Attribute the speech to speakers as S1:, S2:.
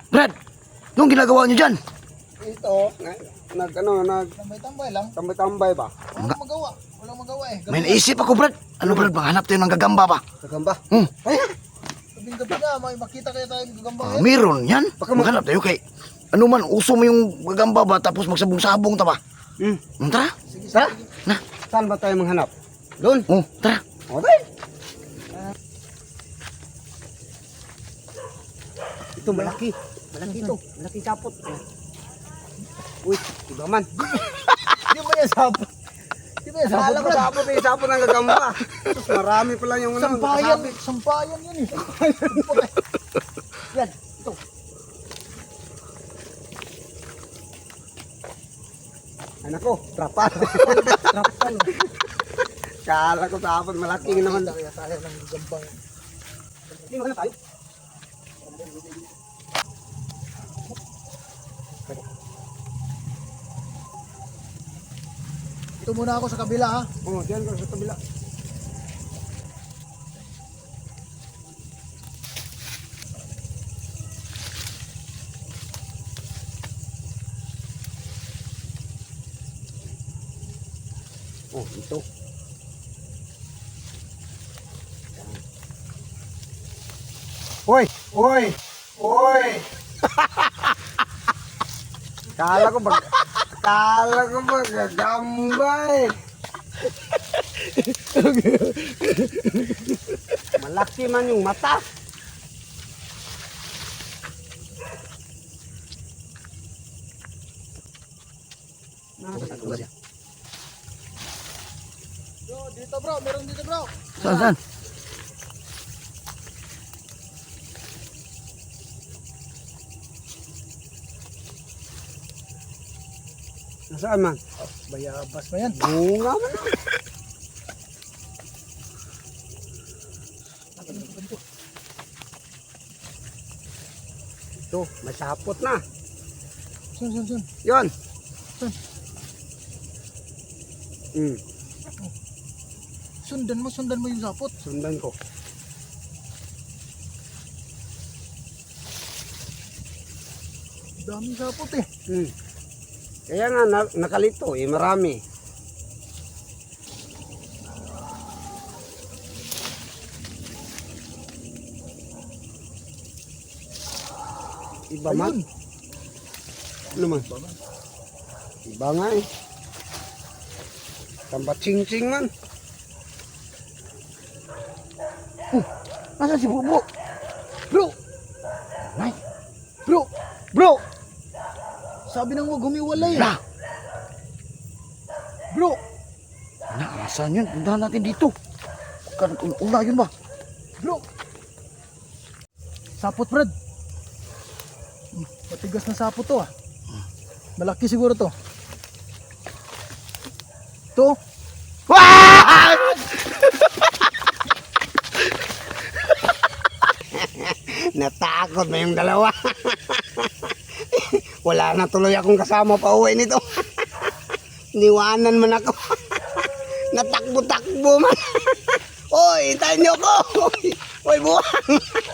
S1: Brad, anong ginagawa niyo dyan?
S2: Ito, tambay-tambay lang. Tambay-tambay ba? Walang magawa eh.
S1: May naisip ako, Brad. Ano, Brad, maghanap tayo ng gagamba ba?
S2: Gagamba?
S1: Ay,
S2: Gabing-gabi na, may makita kaya tayong gagamba eh.
S1: meron yan. Maghanap tayo kay... Ano man, uso mo yung gagamba ba, tapos magsabong-sabong ta ba? Tara.
S2: Sige,
S1: Tara. Na.
S2: Saan ba tayo manghanap? Doon?
S1: Tara.
S2: Okay. Ito malaki. Malaki ito. Malaki sapot. Uy, iba man. Di ba yan sapot? Di ba yan sapot? Alam ko sapot eh. Sapot ng gagamba. Tapos marami pa lang yung ano. Sampayan yun eh. Yan. Ito. Ay nako, trapal. Trapal. Kala ko sapot. Malaki naman. Kaya tayo ng gagamba. Hindi mo na tayo. Ito muna ako sa kabila ha. Oo, diyan ko sa kabila. Oh, ito. Hoy! Hoy! Hoy! Kala ko gagambay. Malaki man yung mata. Bro, dito bro, meron dito bro.
S1: Saan?
S2: Nasaan man? Bayabas ba yan? Bunga man. Ito, may sapot na. Sun. Yun. Sundan mo yung sapot. Sundan ko. Daming sapot eh. Kaya nga nakalito eh, marami. Iba man. Ano man? Iba nga eh. Tambat ching-ching man.
S1: Nasaan si Bubo?
S2: Bro!
S1: Ay,
S2: Bro! Sabi nang huwag humiwalay.
S1: na.
S2: Bro!
S1: Nasaan yun? Puntahan natin dito. Una yun ba?
S2: Bro! Sapot, Brad. Matigas na sapot to ah. Malaki siguro to. To? Natakot na yung dalawa. Wala na tuloy akong kasama pa uwi nito. Niwanan man ako. Natakbo-takbo man. Oy, hintayin niyo ko. Oy, buwang.